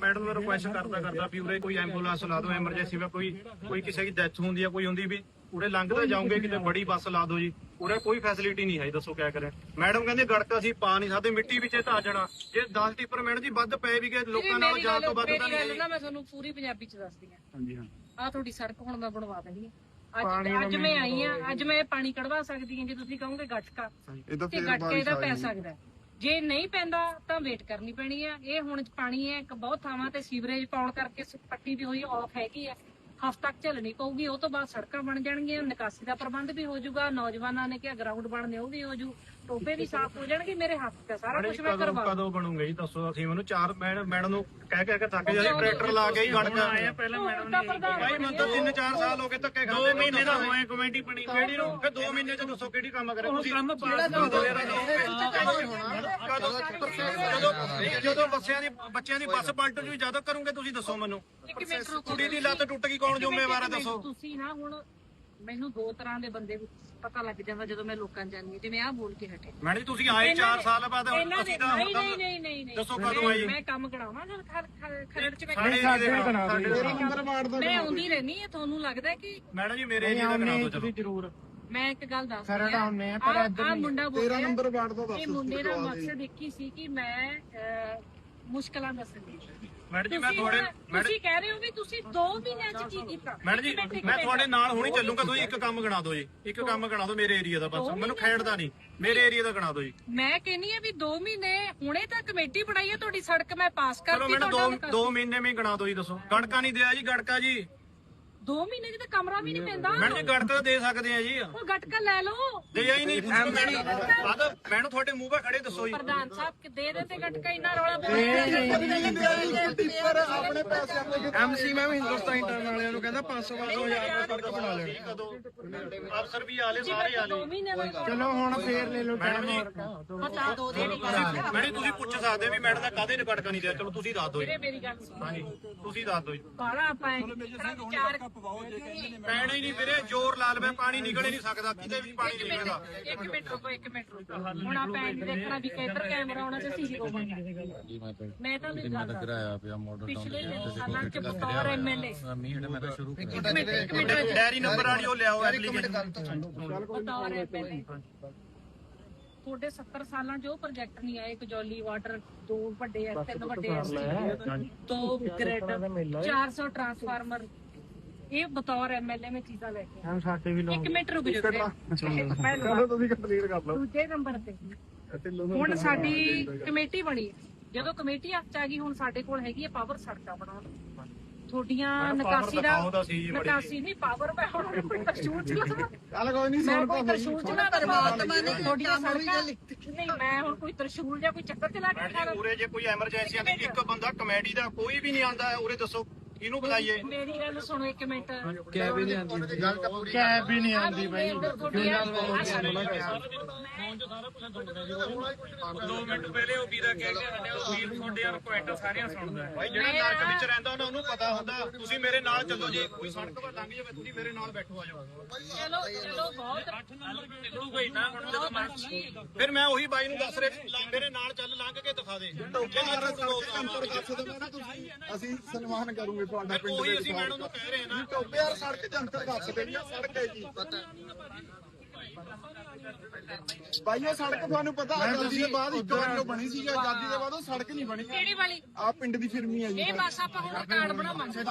madam मैं request करता भी उरे कोई एंबुलेंस ला दो एमरजेंसी में कोई किसी की डेथ होंगी कोई होंगी भी उरे लंघते जाओगे कि बड़ी बस ला दो जी उरे कोई फैसिलिटी नहीं है दसो क्या करें मैडम कहते गड़का असीं पा नहीं सकते मिट्टी विच धा जाना जे 10 टिप्पर मैडम जी वध पे भी गए लोकां नाल जान तो वध तां नहीं मैं ਤੁਹਾਨੂੰ ਪੂਰੀ ਪੰਜਾਬੀ ਚ ਦੱਸਦੀ ਹਾਂ ਹਾਂਜੀ ਹਾਂ ਆ ਤੁਹਾਡੀ ਸੜਕ ਹੁਣ ਮੈਂ ਬਣਵਾ ਦੇਣੀ ਹੈ ਅੱਜ ਮੈਂ ਆਈ ਆ ਅੱਜ ਮੈਂ ਪਾਣੀ ਕਢਵਾ ਸਕਦੀ ਹਾਂ ਜੇ ਤੁਸੀਂ ਕਹੋਗੇ ਗਟਕਾ ਤੇ ਗਟਕੇ ਦਾ ਪੈ ਸਕਦਾ ਜੇ ਨਹੀਂ ਪੈਂਦਾ ਤਾਂ ਵੇਟ ਕਰਨੀ ਪੈਣੀ ਆ ਇਹ ਹੁਣ ਪਾਣੀ ਹੈ ਬਹੁਤ ਥਾਵਾਂ ਤੇ ਸੀਵਰੇਜ ਪਾਉਣ ਕਰਕੇ ਪੱਟੀ ਵੀ ਹੋਈ ਆਫ ਹੈਗੀ ਆ ਹਫ਼ਤਾ ਤੱਕ ਝੱਲਣੀ ਪਊਗੀ ਉਹ ਤੋਂ ਬਾਅਦ ਸੜਕਾਂ ਬਣ ਜਾਣਗੀਆਂ ਨਿਕਾਸੀ ਦਾ ਪ੍ਰਬੰਧ ਵੀ ਹੋ ਜਾਊਗਾ ਨੌਜਵਾਨਾਂ ਨੇ ਕਿਹਾ ਗਰਾਊਂਡ ਬਣਨੇ ਉਹ ਵੀ ਹੋ ਜੂ ਟੋਪੇ ਵੀ ਸਾਫ਼ ਹੋ ਜਾਣਗੇ ਮੇਰੇ ਹੱਥ ਤੇ ਸਾਰਾ ਕੁਝ ਮੈਂ ਕਰਵਾ ਕਦੋਂ ਬਣੂਗਾ ਜੀ ਦੱਸੋ ਅਸੀਂ ਮੈਨੂੰ 4 ਮੈਡਮ ਨੂੰ ਕਹਿ ਕੇ ਥੱਕ ਜਾਂਦੇ ਟਰੈਕਟਰ ਲਾ ਕੇ ਹੀ ਗੜਕਾ ਆਇਆ ਪਹਿਲਾਂ ਮੈਡਮ ਨੇ ਭਾਈ ਮੈਨੂੰ ਤਾਂ 3-4 ਸਾਲ ਹੋ ਗਏ ਧੱਕੇ ਖਾਂਦੇ 2 ਮਹੀਨੇ ਦਾ ਹੋਏ ਕਮੇਟੀ ਬਣੀ ਕਿਹੜੀ ਨੂੰ ਫਿਰ 2 ਮਹੀਨੇ ਚ ਦੱਸੋ ਕਿਹੜੀ ਕੰਮ ਕਰੇ ਤੁਸੀਂ ਕੰਮ ਜਦੋਂ ਬੱਚਿਆਂ ਦੀ ਬੱਸ ਪਲਟ ਜੂ ਜਦੋਂ ਕਰੋਗੇ ਤੁਸੀਂ ਦੱਸੋ ਮੈਨੂੰ ਕੁੜੀ ਦੀ ਲੱਤ ਟੁੱਟ ਗਈ ਕੌਣ ਜ਼ਿੰਮੇਵਾਰ ਹੈ ਦੱਸੋ ਤੁਸੀਂ ਨਾ ਹੁਣ ਮੈਨੂੰ ਦੋ ਤਰ੍ਹਾਂ ਦੇ ਬੰਦੇ ਪਤਾ ਲੱਗ ਜਾਂਦਾ ਜਦੋਂ ਮੈਂ ਲੋਕਾਂ ਜਾਣੀ ਜਿਵੇਂ ਆਹ ਬੋਲ ਕੇ ਹਟੇ ਮੈਡਮ ਜੀ ਤੁਸੀਂ ਆਏ 4 ਸਾਲ ਬਾਅਦ ਅਸੀਂ ਤਾਂ ਨਹੀਂ ਦੱਸੋ ਕਦੋਂ ਆਏ ਮੈਂ ਕੰਮ ਕਰਾਉਣਾ ਜਦ ਖਰੜ ਚ ਮੈਂ ਆਉਂਦੀ ਰਹਿਣੀ ਹੈ ਤੁਹਾਨੂੰ ਲੱਗਦਾ ਕਿ ਮੈਡਮ ਜੀ ਮੇਰੇ ਏਰੀਆ ਦਾ ਕਰਾ ਦਿਓ ਚਲੋ ਜ਼ਰੂਰ ਮੈਂ ਇੱਕ ਗੱਲ ਦੱਸ ਖਰੜ ਆਉਣੇ ਆ ਪਰ ਆ ਮੁੰਡਾ ਬੋਲ 13 ਨੰਬਰ ਵਾਰਡ ਦਾ ਦੱਸ ਇਹ ਮੁੰਡੇ ਦਾ ਮਕਸਦ ਇੱਕ ਹੀ ਸੀ ਕਿ ਮੈਂ ਮੁਸ਼ਕਲਾਂ ਦੱਸਣੀ ਮੈਡਮ ਜੀ ਮੈਂ ਤੁਸੀਂ ਕਹਿ ਰਹੇ ਹੋ ਵੀ ਤੁਸੀਂ 2 ਮਹੀਨਿਆਂ ਚ ਕੀ ਕੀਤਾ ਮੈਡਮ ਜੀ ਮੈਂ ਤੁਹਾਡੇ ਨਾਲ ਹੁਣੀ ਚੱਲੂਗਾ ਤੁਸੀਂ ਇੱਕ ਕੰਮ ਗਣਾ ਦਿਓ ਜੀ ਇੱਕ ਕੰਮ ਗਣਾ ਦਿਓ ਮੇਰੇ ਏਰੀਆ ਦਾ ਬਸ ਮੈਨੂੰ ਖੇਡਦਾ ਨਹੀਂ ਮੇਰੇ ਏਰੀਆ ਦਾ ਗਣਾ ਦਿਓ ਜੀ ਮੈਂ ਕਹਿੰਨੀ ਆ ਵੀ 2 ਮਹੀਨੇ ਹੁਣੇ ਤਾਂ ਕਮੇਟੀ ਬਣਾਈ ਹੈ ਤੁਹਾਡੀ ਸੜਕ ਮੈਂ ਪਾਸ ਕਰਤੀ ਚਲੋ ਮੈਨੂੰ 2 ਮਹੀਨੇ ਵਿੱਚ ਗਣਾ ਦਿਓ ਜੀ ਦੱਸੋ ਗੜਕਾ ਨਹੀਂ ਦਿਆ ਜੀ ਗੜਕਾ ਜੀ 2 ਮਹੀਨੇ ਚ ਤਾਂ ਕਮਰਾ ਵੀ ਨਹੀਂ ਪੈਂਦਾ ਮੈਡਮ ਜੀ ਗੜਕਾ ਦੇ ਸਕਦੇ ਆ ਜੀ ਉਹ ਗਟਕਾ ਲੈ ਲਓ ਦੇ ਹੀ ਨਹੀਂ ਮੈਨੂੰ ਤੁਹਾਡੇ ਮੂੰਹ 'ਤੇ ਖੜੇ ਦੱਸੋ ਜੀ ਪ੍ਰਧਾਨ ਸਾਹਿਬ ਕਿ ਦੇ ਦੇ ਤੇ ਗਟਕਾ ਇੰਨਾ ਰੌਲਾ ਆਪਣੇ ਪੈਸੇ ਐਮਸੀ ਮੈਂ ਵੀ ਹਿੰਦੁਸਤਾਨ ਇੰਟਰਨ ਵਾਲਿਆਂ ਨੂੰ ਕਹਿੰਦਾ 500-500 ਹਜ਼ਾਰ ਸੜਕ ਬਣਾ ਲੈਣੀ ਅਫਸਰ ਵੀ ਆਲੇ ਸਾਰੇ ਆਲੇ 2 ਮਹੀਨੇ ਦਾ ਚਲੋ ਹੁਣ ਫੇਰ ਲੈ ਲਓ ਮੈਡਮ ਜੀ ਪਤਾ ਦੋ ਦੇ ਮੈਡਮ ਤੁਸੀਂ ਪੁੱਛ ਸਕਦੇ ਵੀ ਮੈਡਮ ਦਾ ਕਾਹਦੇ ਨੇ ਗੜਕਾ ਨਹੀਂ ਦਿਆ ਚਲੋ ਤੁਸੀਂ ਦੱਸ ਦਿਓ ਜੀ ਮੇਰੀ ਗੱਲ ਸੁਣੋ ਹਾਂਜੀ ਤੁਸੀਂ ਦੱਸ ਦਿਓ ਜੀ ਬਾਲਾ ਆਪਾਂ ਵਿਚਾਰ ਪੈਣਾ ਹੀ ਨਹੀਂ ਵੀਰੇ ਜ਼ੋਰ ਲਾ ਲਵੇ ਪਾਣੀ ਨਿਕਲ ਹੀ ਨਹੀਂ ਸਕਦਾ ਕਿਤੇ ਵੀ ਪਾਣੀ ਨਹੀਂ ਨਿਕਲਦਾ ਇੱਕ ਮਿੰਟ ਰੁਕੋ ਹੁਣ ਆਪਾਂ ਇਹ ਦੇਖਣਾ ਵੀ ਕਿੱਧਰ ਕੈਮਰਾ ਆਉਣਾ ਤੇ ਸੀਸੀ ਮੈਂ ਤਾਂ ਨਹੀਂ ਗੱਲ ਕਰਾਇਆ ਪਿਆ ਮਾਡਲ ਪਿਛਲੇ ਸਾਲਾਂ ਚ ਬਤੌਰ ਐਮਐਲਏ ਮੈਂ ਤਾਂ ਸ਼ੁਰੂ ਇੱਕ ਮਿੰਟ ਡੈਰੀ ਨੰਬਰ ਵਾਲੀ ਉਹ ਲਿਆਓ ਐਪਲੀਕੇਸ਼ਨ ਬਤੌਰ ਐਮਐਲਏ ਤੁਹਾਡੇ 70 ਸਾਲਾਂ 'ਚ ਉਹ ਪ੍ਰੋਜੈਕਟ ਨਹੀਂ ਆਏ ਕਜੌਲੀ ਵਾਟਰ 2 ਵੱਡੇ ਐ 3 ਵੱਡੇ ਐ 2 ਗ੍ਰਿਡ 400 ਟਰਾਂਸਫਾਰਮਰ ਇਹ ਬਤੌਰ ਐਮਐਲਏ ਮੈਂ ਚੀਜ਼ਾਂ ਲੈ ਕੇ ਹਮ ਸਾਡੇ ਵੀ ਲੋਕ 1 ਮਿੰਟ ਰੁਕ ਜਾਓ ਚਲੋ ਤੁਸੀਂ ਕੰਪਲੀਟ ਕਰ ਲਓ ਦੂਜੇ ਨੰਬਰ ਤੇ ਹੁਣ ਸਾਡੀ ਕਮੇਟੀ ਬਣੀ ਜਦੋਂ ਕਮੇਟੀ ਹੱਥ 'ਚ ਆ ਗਈ ਹੁਣ ਸਾਡੇ ਕੋਲ ਹੈਗੀ ਹੈ ਪਾਵਰ ਸੜਕਾਂ ਬਣਾਉਣ ਤੁਹਾਡੀਆਂ ਨਿਕਾਸੀ ਨਹੀਂ ਪਾਵਰ ਮੈਂ ਹੁਣ ਕੋਈ ਤਰਸ਼ੂਲ ਚਲਾਵਾਂ ਚੱਲ ਕੋਈ ਨਹੀਂ ਮੈਂ ਕੋਈ ਤਰਸ਼ੂਲ ਚਲਾ ਪਰਮਾਤਮਾ ਨੇ ਤੁਹਾਡੀਆਂ ਸੜਕਾਂ ਨਹੀਂ ਮੈਂ ਹੁਣ ਕੋਈ ਤਰਸ਼ੂਲ ਜਾਂ ਕੋਈ ਚੱਕਰ ਚਲਾ ਕੇ ਖਾ ਉਰੇ ਜੇ ਕੋਈ ਐਮਰਜੈਂਸੀ ਆਂਦੀ ਇੱਕ ਬੰਦਾ ਕਮੇਡੀ ਦਾ ਕੋਈ ਵੀ ਨਹੀਂ ਆਂਦਾ ਉਰੇ ਦੱਸੋ ਇਹਨੂੰ ਬੁਲਾਈਏ ਮੇਰੀ ਗੱਲ ਸੁਣੋ 1 ਮਿੰਟ ਕੈਬ ਵੀ ਨਹੀਂ ਆਉਂਦੀ ਕੈਬ ਵੀ ਨਹੀਂ ਆਉਂਦੀ ਬਾਈ 2 ਮਿੰਟ ਪਹਿਲੇ ਉਹ ਵੀਰਾ ਕਹਿ ਕੇ ਹਟਿਆ ਉਹ ਵੀਰ ਤੁਹਾਡੇ ਰਿਕੁਐਸਟ ਸਾਰਿਆਂ ਸੁਣਦਾ ਭਾਈ ਜਿਹੜਾ ਨਰਕ ਵਿੱਚ ਰਹਿੰਦਾ ਉਹਨੂੰ ਪਤਾ ਹੁੰਦਾ ਤੁਸੀਂ ਮੇਰੇ ਨਾਲ ਚੱਲੋ ਜੀ ਕੋਈ ਸੜਕ 'ਤੇ ਲੰਘ ਜਾਵੇ ਤੁਸੀਂ ਮੇਰੇ ਨਾਲ ਬੈਠੋ ਆ ਜਾਓ ਚਲੋ ਬਹੁਤ 8 ਨੰਬਰ ਨਿਕਲੂਗਾ ਹੀ ਨਾ ਹੁਣ ਜਦੋਂ ਮਰਜ਼ੀ ਫਿਰ ਮੈਂ ਉਹੀ ਬਾਈ ਨੂੰ ਦੱਸ ਰਿਹਾ ਮੇਰੇ ਨਾਲ ਚੱਲ ਲੰਘ ਕੇ ਦਿਖਾ ਦੇ ਅਸੀਂ ਸਨਮਾਨ ਕਰੂਗੇ ਤੁਹਾਡਾ ਪਿੰਡ ਉਹੀ ਅਸੀਂ ਮੈਡਮ ਨੂੰ ਕਹਿ ਰਹੇ ਨਾ ਟੋਬੇ ਯਾਰ ਸੜਕ ਜੰਤਰ ਦੱਸ ਦੇਣੀ ਆ ਸੜਕ ਹੈ ਜੀ ਭਾਈ ਉਹ ਸੜਕ ਤੁਹਾਨੂੰ ਪਤਾ ਆਜ਼ਾਦੀ ਦੇ ਬਾਅਦ ਇੱਕ ਵਾਰ ਜੋ ਬਣੀ ਸੀ ਆਜ਼ਾਦੀ ਦੇ ਬਾਅਦ ਉਹ ਸੜਕ ਨਹੀਂ ਬਣੀ ਕਿਹੜੀ ਵਾਲੀ ਆ ਪਿੰਡ ਦੀ ਫਿਰਮੀ ਹੈ ਜੀ ਇਹ ਬਸ ਆਪਾਂ ਹੁਣ ਕਾਰਡ ਬਣਾਵਾਂਗੇ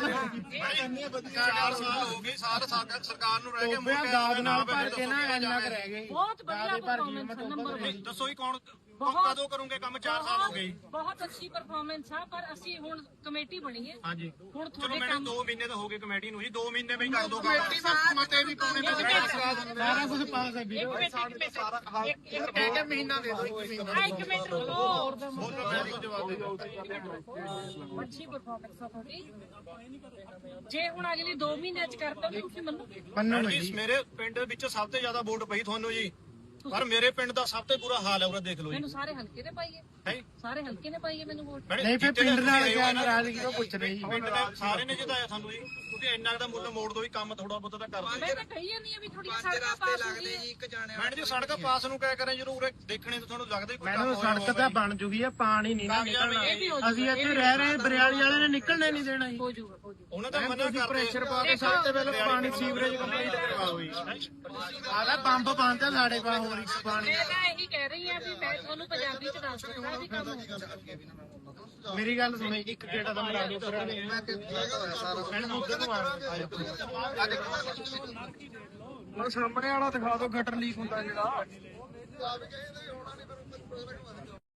4 ਸਾਲ ਹੋ ਗਏ ਸਰਕਾਰ ਨੂੰ ਰਹਿ ਗਏ ਦਾਦ ਨਾਲ ਭਰ ਕੇ ਨਾ ਇੰਨਾ ਕਰ ਰਹਿ ਗਏ ਬਹੁਤ ਵਧੀਆ ਪਰਫਾਰਮੈਂਸ ਨੰਬਰ ਦੱਸੋ ਹੀ ਕੌਣ ਕਦੋਂ ਕਰੋਗੇ ਕੰਮ 4 ਸਾਲ ਹੋ ਗਏ ਬਹੁਤ ਅੱਛੀ ਪਰਫਾਰਮੈਂਸ ਆ ਪਰ ਅਸੀਂ ਹੁਣ ਕਮੇਟੀ ਬਣੀ ਹੈ ਹਾਂਜੀ ਹੁਣ ਚਲੋ ਤੁਹਾਡੇ ਮੈਨੂੰ 2 ਮਹੀਨੇ ਤਾਂ ਹੋ ਗਏ ਕਮੇਟੀ ਨੂੰ ਜੀ 2 ਮਹੀਨੇ ਵਿੱਚ ਕਰ ਦੋ ਕਮੇਟੀ ਮਤੇ ਵੀ ਪਾਉਣੇ ਸਾਰਾ ਕੁਝ ਪਾਸ ਹੈ ਵੀਡੀਓ ਇੱਕ ਕਹਿ ਕੇ ਮਹੀਨਾ ਦੇ ਦਿਓ 1 ਮਹੀਨਾ 1 ਮਿੰਟ ਰੁਕੋ ਜਵਾਬ ਦੇ ਦਿਓ ਅੱਛੀ ਪਰਫਾਰਮੈਂਸ ਆ ਤੁਹਾਡੀ ਜੇ ਹੁਣ ਅਗਲੀ 2 ਮਹੀਨਿਆਂ ਚ ਕਰਤਾ ਤੁਸੀਂ ਮੰਨੋਗੇ ਮੇਰੇ ਪਿੰਡ ਵਿੱਚ ਸਭ ਤੋਂ ਜ਼ਿਆਦਾ ਵੋਟ ਪਈ ਤੁਹਾਨੂੰ ਜੀ ਪਰ ਮੇਰੇ ਪਿੰਡ ਦਾ ਸਭ ਤੋਂ ਬੁਰਾ ਹਾਲ ਹੈ ਉਰੇ ਦੇਖ ਲਓ ਜੀ ਮੈਨੂੰ ਸਾਰੇ ਹਲਕੇ ਨੇ ਪਾਈਏ ਹੈ ਸਾਰੇ ਹਲਕੇ ਨੇ ਪਾਈਏ ਮੈਨੂੰ ਵੋਟ ਨਹੀਂ ਫਿਰ ਪਿੰਡ ਨਾਲ ਕਿਆ ਨਾਰਾਜ਼ਗੀ ਉਹ ਪੁੱਛ ਰਹੇ ਜੀ ਪਿੰਡ ਦੇ ਸਾਰੇ ਨੇ ਜਿਤਾਇਆ ਸਾਨੂੰ ਜੀ ਤੁਸੀਂ ਇੰਨਾ ਦਾ ਮੁੱਲ ਮੋੜ ਦੋ ਵੀ ਕੰਮ ਥੋੜਾ ਬਹੁਤਾ ਤਾਂ ਕਰ ਦਿਓ ਮੈਂ ਤਾਂ ਕਹੀ ਜਾਂਦੀ ਆ ਵੀ ਥੋੜੀ ਸੜਕਾਂ ਪਾਸ ਹੋ ਗਈ ਮੈਡਮ ਜੀ ਸੜਕ ਪਾਸ ਨੂੰ ਕਿਆ ਕਰਾਂ ਜਦੋਂ ਉਰੇ ਦੇਖਣੇ ਤੋਂ ਤੁਹਾਨੂੰ ਲੱਗਦਾ ਕੋਈ ਮੈਨੂੰ ਸੜਕ ਤਾਂ ਬਣ ਜੂਗੀ ਆ ਪਾਣੀ ਨਹੀਂ ਨਾ ਨਿਕਲਣਾ ਅਸੀਂ ਇੱਥੇ ਰਹਿ ਰਹੇ ਬਰਿਆਲੀ ਵਾਲੇ ਨੇ ਨਿਕਲਣੇ ਨਹੀਂ ਦੇਣਾ ਜੀ ਹੋ ਜਾਊਗਾ ਹੋ ਜਾਊਗਾ ਉਹਨਾਂ ਦਾ ਮਨਾ ਕਰਦੇ ਪ੍ਰੈਸ਼ਰ ਪਾ ਕੇ ਸਭ ਤੋਂ ਪਹਿਲਾਂ ਪਾਣੀ ਸੀਵਰੇਜ ਕੰਪਲੀਟ ਕਰਵਾਓ ਜੀ ਆਦਾ ਪੰਪ ਬੰਦ ਆ ਸਾਡੇ ਕੋਲ ਹੋਰ ਇੱਕ ਪਾਣੀ ਮੈਂ ਤਾਂ ਇਹੀ ਕਹਿ ਰਹੀ ਆ ਵੀ ਮੈਂ ਤੁਹਾਨੂੰ ਪੰਜਾਬੀ ਚ ਦੱਸ ਦਿੰਦਾ ਵੀ ਕੰਮ ਹੋਊਗਾ ਮੇਰੀ ਗੱਲ ਸੁਣੋ ਇੱਕ ਗੇੜਾ ਦਾ ਮਰਾ ਦਿਓ ਫਿਰ ਮੈਨੂੰ ਉੱਧਰ ਨੂੰ ਆ ਸਾਹਮਣੇ ਵਾਲਾ ਦਿਖਾ ਦਿਓ ਗਟਰ ਲੀਕ ਹੁੰਦਾ ਜਿਹੜਾ